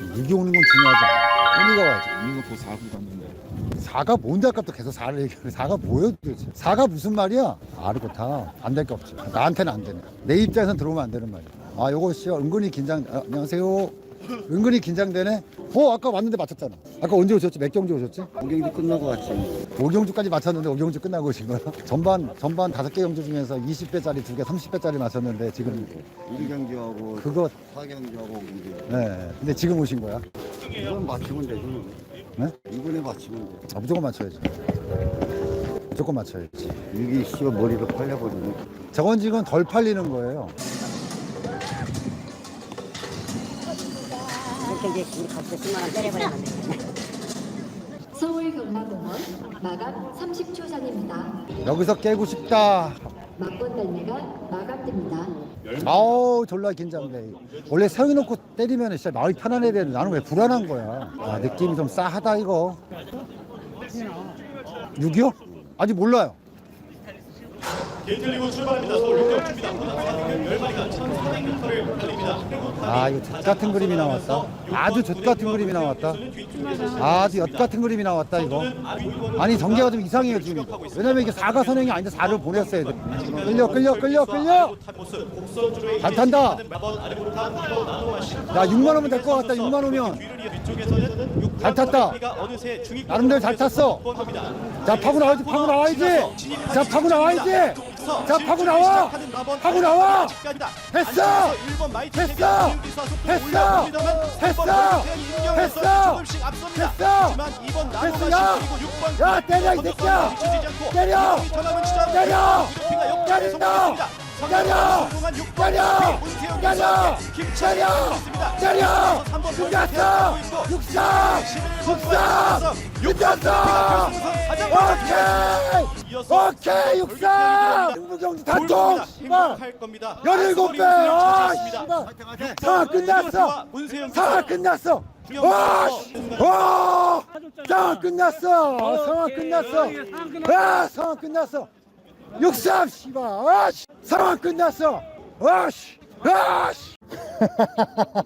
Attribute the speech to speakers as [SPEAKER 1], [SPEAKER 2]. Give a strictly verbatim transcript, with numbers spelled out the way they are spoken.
[SPEAKER 1] 이기 오는 건 중요하지 않아. 의미가 와야지.
[SPEAKER 2] 이거 사 구 갔는데.
[SPEAKER 1] 사가 뭔데 아까부터 계속 사를 얘기해. 사가 뭐예요 도대체. 사가 무슨 말이야? 아르고타 안 될 게 없지. 나한테는 안 되네. 내 입장에선 들어오면 안 되는 말이야. 아 요거 씨 은근히 긴장. 아, 안녕하세요. 은근히 긴장되네. 어 아까 왔는데 맞췄잖아. 아까 언제 오셨지? 몇 경주 오셨지?
[SPEAKER 3] 경기 끝나고 왔지.
[SPEAKER 1] 오 경주까지 맞췄는데 오 경주 끝나고 오신 거야? 전반 전반 다섯 개 경주 중에서 이십 배짜리 두 개, 삼십 배짜리 맞췄는데 지금
[SPEAKER 3] 일 경기하고
[SPEAKER 1] 그거
[SPEAKER 3] 사 경기하고 경기.
[SPEAKER 1] 네. 근데 지금 오신 거야?
[SPEAKER 3] 이건 맞추면 되지.
[SPEAKER 1] 네?
[SPEAKER 3] 이번에 맞추면 돼.
[SPEAKER 1] 아, 무조건 맞춰야지. 무조건 맞춰야지.
[SPEAKER 3] 이게 씨가 머리로 팔려버리네.
[SPEAKER 1] 저건 지금 덜 팔리는 거예요.
[SPEAKER 4] 이렇게 이제 우리 값을 십만 원 때려버리면 돼.
[SPEAKER 5] 서울 경마공원 마감 삼십 초 전입니다.
[SPEAKER 1] 여기서 깨고 싶다.
[SPEAKER 5] 막번 달매가 마감됩니다.
[SPEAKER 1] 아우 졸라 긴장돼. 원래 세워놓고 때리면 진짜 마음이 편안해야 되는데 나는 왜 불안한 거야. 아 느낌이 좀 싸하다 이거. 육이요? 아직 몰라요.
[SPEAKER 6] 게이틀리고 출발합니다. 서울 육 경주입니다. 열 마리가 천사백 미터를 달립니다.
[SPEAKER 1] 아 이거 젖 같은 그림이 나왔다. 아주 젖 같은 그림이 나왔다. 아주 엿 같은 그림이 나왔다 이거. 아니 전개가 좀 이상해요 지금. 왜냐면 이게 사가 선행이 아닌데 사를 보냈어야 돼. 끌려 끌려 끌려 끌려. 잘 탄다. 야 육만 원면 될 것 같다. 육만 원면. 잘 탔다. 나름대로 잘 탔어. 자 파고 나와야지 파고 나와야지. 자 파고 나와야지. 자 파고 나와. 파고 나와. 했어. 했어. 했어. 했어. 했어. 했어. 했어. 야. 야 때려 이 새끼야. 때려. 때려. 때린다. 때려. 때려. 때려. 때려. 때려. 끝났어. 육삼. 육삼. 끝났어. 오케이. 오케이 육삼. 승부경주 단통. 씨발. 열일곱 배. 아 씨발. 상황 끝났어. 상황 끝났어. 와! 와! 상황 끝났어. 상황 끝났어. 아 상황 끝났어. 육삼 씨발. 아 씨. 상황 끝났어. 아 씨. 아 씨.